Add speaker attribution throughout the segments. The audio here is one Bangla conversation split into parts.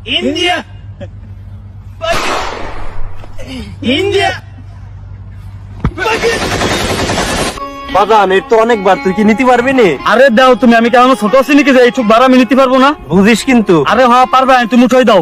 Speaker 1: ইন্ডিয়া ইন্ডিয়া
Speaker 2: বাজান এর তো অনেকবার, তুই কি নিতে পারবি নি?
Speaker 3: আরে দাও তুমি, আমি কেমন ছোট আছি নাকি যে এইটুক ভাড়া আমি নিতে পারবো না?
Speaker 2: বুঝিস কিন্তু।
Speaker 3: আরে হ্যাঁ পারবে, তুমি উঠাই দাও।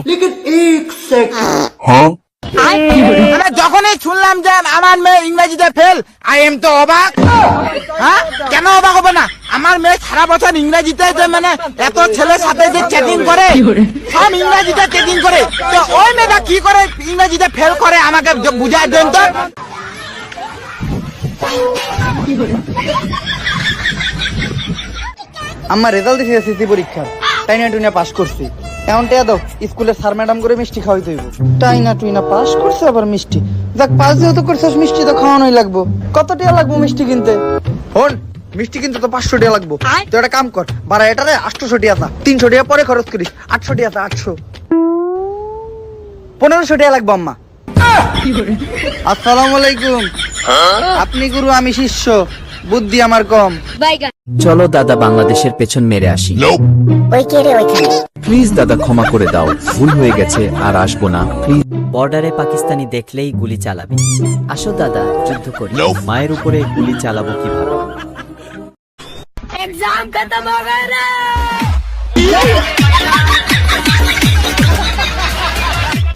Speaker 1: মানে যখনই শুনলাম যে আমার মেয়ে ইংরেজিতে ফেল, আই এম তো অবাক। হ্যাঁ, কেন অবাক হবে না? আমার মেয়ে সারা বছর ইংরেজিতে যে মানে এত ছেলের সাথে যে চ্যাটিং করে, সব ইংরেজিতে চ্যাটিং করে, তো ওই মেয়েটা কি করে ইংরেজিতে ফেল করে আমাকে বুঝাই দেন তো।
Speaker 4: আমার রেজাল্ট দিছে এসএসসি পরীক্ষার, টাইনা টুইনা পাস করছি। এখন টেয়া দাও, স্কুলের স্যার ম্যাডাম করে মিষ্টি খাওয়াইতে হইব। টাইনা টুইনা পাস করছে আবার মিষ্টি, যাক পাস যেহেতু করছিস মিষ্টি তো খাওয়ানোই লাগবো। কত টিয়া লাগবো মিষ্টি কিনতে? হন, মিষ্টি কিনতে তো 500 টিয়া লাগবো। তো একটা কাম কর, ভাড়া এটারে 800 টিয়া তা, 300 টিয়া পরে খরচ করিস। 800 টিয়া তা, 800 1500 টিয়া লাগবো আম্মা। আসসালামু আলাইকুম। আপনি গুরু, আমি শিষ্য, বুদ্ধি আমার কম।
Speaker 5: চলো দাদা বাংলাদেশের পেছন মেরে আসি। প্লিজ দাদা ক্ষমা করে দাও, ভুল হয়ে গেছে, আর আসবো না প্লিজ।
Speaker 6: বর্ডারে পাকিস্তানি দেখলেই গুলি চালাবে। আসো দাদা যুদ্ধ করি।
Speaker 5: মায়ের উপরে গুলি চালাবো কিভাবে?
Speaker 7: एग्जाम खत्म हो गया रे